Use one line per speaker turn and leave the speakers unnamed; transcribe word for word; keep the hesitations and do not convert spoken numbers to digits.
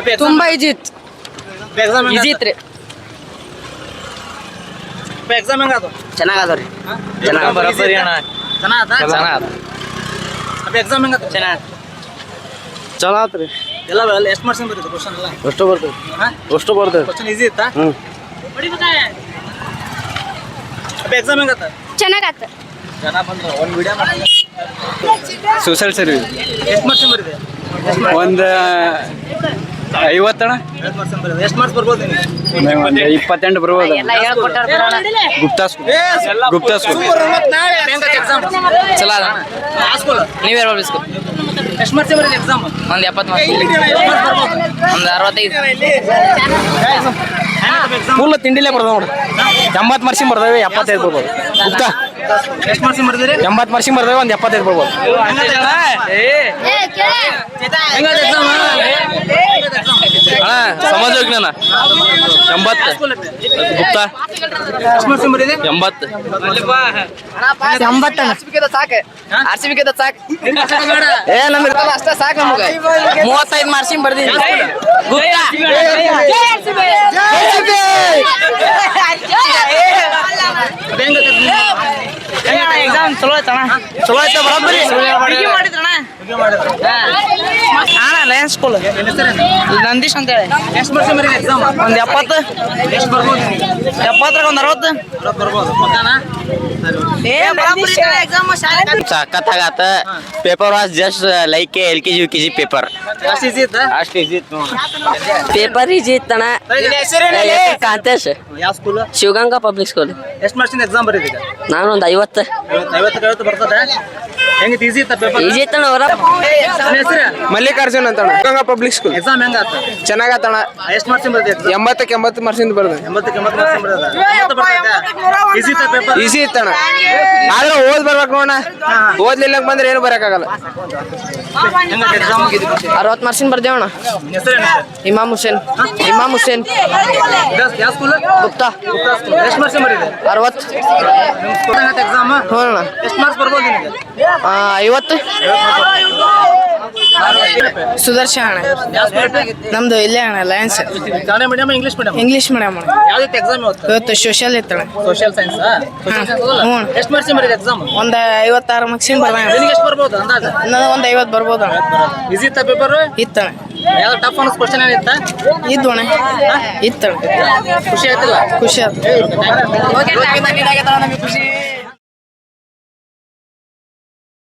ತುಂಬಾ ಈಜಿ ಇತ್ತು.
Exam
easy ಇತ್ತು ರೀ.
ಎಕ್ಸಾಮ್ ಹೆಂಗಾತು?
ಚೆನ್ನಾಗದವ್ರಿ.
ಚೆನ್ನಾಗಿ ಬರೋಬ್ಬರಿ ಅಣ್ಣ. ಚೆನ್ನಾಗತ್ತ?
ಚೆನ್ನಾಗದ.
ಎಕ್ಸಾಮ್ ಹೆಂಗಾತು?
ಚೆನ್ನಾಗಿ
ಚಲೋ ಆತ್ರಿ.
ಎಲ್ಲ ಎಷ್ಟು ಮಾರ್ಕ್ಸ್ ಬರ್ತದೆ ಕ್ವಶನ್ ಎಲ್ಲ?
ಅಷ್ಟು ಬರ್ತದೆ. ಅಷ್ಟು ಬರ್ತದೆ.
ಕ್ವಶನ್ ಈಸಿ ಇತ್ತಾ?
ಹ್ಞೂ.
ಎಕ್ಸಾಮ್ ಹೆಂಗಾತ?
ಚೆನ್ನಾಗತ್ತ.
ಜನ ಬಂದ್ರು ಒಂದು ವಿಡಿಯೋ ಮಾಡಿ.
ಸೋಷಿಯಲ್ ಸರ್ವಿಸ್
ಎಷ್ಟು ಮಾರ್ಕ್ಸ್ ಬರಿದೆ?
ಒಂದು ಐವತ್ತಣ
ಎಷ್ಟು ಮಾರ್ಕ್ಸ್ ಬರಿದೆ? ಎಷ್ಟು ಮಾರ್ಕ್ಸ್ ಬರ್ಬೋದು ನಿನಗೆ?
ಒಂದು ಇಪ್ಪತ್ತೆಂಟು ಬರ್ಬೋದು.
ಎಲ್ಲ ಹೇಳ್ಕೊಟ್ಟಾರ
Gupta school. Gupta school
exam
ಚಲೋ ಅದ.
ಸ್ಕೂಲ್
ನೀವೇ ಬರ್ಬೇಕು.
ಎಷ್ಟು ಮಾರ್ಕ್ಸ್ ಬರಿದೆ ಎಕ್ಸಾಮ್?
ಒಂದು ಎಪ್ಪತ್ತು ಮಾರ್ಕ್ಸ್, ಒಂದು ಅರವತ್ತೈದು.
ಫುಲ್ ತಿಂಡಿಲೇ ಬರ್ತಾವ ನೋಡ್ರಿ. ಎಂಬತ್ತು ಮಾರ್ಕ್ಸಿಂಗ್ ಬರ್ತಾವೆ, ಎಪ್ಪತ್ತೈದು ಬರ್ಬೋದು. ಗುಪ್ತಾ
ಎಷ್ಟು ಮಾರ್ಕ್ಸ್ ಬರೆದಿರಿ?
ಎಂಬತ್ತು ಮಾರ್ಕ್ಸಿಂಗ್ ಬರ್ತಾವೆ, ಒಂದು ಎಪ್ಪತ್ತೈದು ಬರ್ಬೋದು. ಅಣ್ಣ ಸಮಾಜ ವಿಜ್ಞಾನ ಎಂಬತ್ತು. ಗುಪ್ತಾ
ಎಷ್ಟು ಮಾರ್ಕ್ಸ್ ಬರಿದೆ?
ಎಂಬತ್ತು.
ಎಂಬತ್ತು ಸಾಕು. ಆರ್ ಸಿ ಬಿ ಗೆದ್ದ ಸಾಕು.
ಏ ನಮ್ಗೆ
ಅಷ್ಟೇ ಸಾಕು ನಮಗೆ. ಮೂವತ್ತೈದು ಮಾರ್ಕ್ಸಿಂಗ್ ಬರ್ದಿನಿ. ಎಕ್ಸಾಮ್ ಚಲೋ ಆಯ್ತಣ್ಣ.
ಚಲೋ ಆಯ್ತಾ? ಬರೋಬ್ಬರಿ
ಮಾಡಿದ್ರಣ್ಣ. ಅಣ್ಣ ಲಯನ್ಸ್ ಸ್ಕೂಲ್ ನಂದೀಶ್ ಅಂತ ಹೇಳಿ.
ಎಷ್ಟು ಮಾರ್ಕ್ಸ್ ಬರಿದೆ ಎಕ್ಸಾಮ್?
ಒಂದು ಎಪ್ಪತ್ತು.
ಎಷ್ಟು ಬರ್ಬೋದು ನಿನಗೆ?
ಎಪ್ಪತ್ತರಾಗ ಒಂದು ಅರವತ್ತು.
ಅರವತ್ತು ಬರ್ಬೋದು ಪಕ್ಕಾನಾ?
ಸಖತ್ತಾಗತ್ತ. Paper was just like L K G U K G paper.
ಅಷ್ಟು ಈಸಿ ಇತ್ತಾ?
ಅಷ್ಟು ಈಸಿ ಇತ್ತು.
Paper easy ಇತ್ತಣ್ಣ. ಕಾಂತೇಶ್
ಯಾವ ಸ್ಕೂಲ್?
Shivaganga public school.
ಎಷ್ಟು ಮಾರ್ಕ್ಸಿಂದ ಎಕ್ಸಾಮ್ ಬರೀತೀಗ?
ನಾನು ಒಂದು ಐವತ್ತು.
ಐವತ್ತು ಐವತ್ತು ಬರ್ತದೆ. ಹೆಂಗಿತ್ತು? ಈಸಿ ಇತ್ತ ಪೇಪರ್?
ಈಜಿ ಇತ್ತಣ್ಣ. ಅವರ
ಹೆಸರು
ಮಲ್ಲಿಕಾರ್ಜುನ್ ಅಂತಣ್ಣ, ಗಂಗಾ ಪಬ್ಲಿಕ್ ಸ್ಕೂಲ್.
ಎಕ್ಸಾಮ್ ಹೆಂಗಾತ?
ಚೆನ್ನಾಗತ್ತಣ್ಣ.
ಎಷ್ಟು ಮಾರ್ಕ್ಸಿಂದ ಬರ್ತದೆ ಎಕ್ಸಾಮ್?
ಎಂಬತ್ತಕ್ಕೆ ಎಂಬತ್ತು ಮಾರ್ಕ್ಸಿಂದ ಬರ್ತದೆ.
ಎಂಬತ್ತಕ್ಕೆ ಎಂಬತ್ತು ಮಾರ್ಕ್ಸ್ ಬರ್ತದೆ. ಎಂಬತ್ತು ಬರ್ತದೆ. ಈಸಿ ಇತ್ತ ಪೇಪರ್?
ಈಸಿ ಇತ್ತಣ್ಣ. ಆದ್ರೆ ಓದ್ ಬರ್ಬೇಕು ನೋಡ. ಓದ್ಲಿಲ್ಲ ಬಂದ್ರೆ ಏನು ಬರಕಾಗಲ್ಲ.
ಹೆಂಗಾತ ಎಕ್ಸಾಮ್?
ಅರವತ್ತು ಮಾರ್ಕ್ಸಿಂದ ಬರ್ದೇವಣ್ಣ.
ಹೆಸರೇನು?
ಇಮಾಮ್ ಹುಸೇನ್. ಇಮಾಮ್ ಹುಸೇನ್
ಯಾವ ಸ್ಕೂಲ್?
ಗುಪ್ತಾ.
ಎಷ್ಟು ಮಾರ್ಕ್ಸ್ ಬರೀದೆ?
ಅರವತ್ತು.
ಎಕ್ಸಾಮ್
ಹ್ಞೂ ಅಣ್ಣ.
ಎಷ್ಟು ಮಾರ್ಕ್ಸ್ ಬರ್ಬೋದು ನಿನಗೆ?
ಐವತ್ತು. ಸುದರ್ಶನ್ ಅಣ್ಣ.
ಯಾವ ಸ್ಕೂಲ್?
ನಮ್ದು ಇಲ್ಲೇ ಅಣ್ಣ lions.
Kannada medium English medium?
English medium ಅಣ್ಣ.
ಯಾವ್ದೈತೆ ಎಕ್ಸಾಮ್ ಇವತ್ತು?
ಇವತ್ತು ಸೋಷಿಯಲ್ ಇತ್ತಣ್ಣ.
Social science.
ಹ್ಞೂ.
ಎಷ್ಟು ಮಾರ್ಕ್ಸ್ ಬರೀದೆ ಎಕ್ಸಾಮ್?
ಒಂದು ಐವತ್ತಾರು ಮಾರ್ಕ್ಸಿಂದ ಬರ್ದ.
ನಿನಗೆ ಎಷ್ಟು ಬರ್ಬೋದು ಅಂದಾಜು?
ಇನ್ನೊಂದು ಒಂದು ಐವತ್ತು ಬರ್ಬೋದು ಅಣ್ಣ.
ಈಸಿ ಇತ್ತ ಪೇಪರ್?
ಇತ್ತಣ್ಣ.
ಯಾವ್ದು ಟಫ್ ಅನ್ನೋ ಕ್ವಶನ್ ಏನಿತ್ತ?
ಇದ್ದು ಅಣ್ಣ. ಇತ್ತಣ್ಣ.
ಖುಷಿ ಆಯ್ತಿಲ್ಲ?
ಖುಷಿ ಆಯ್ತು.
ಖುಷಿ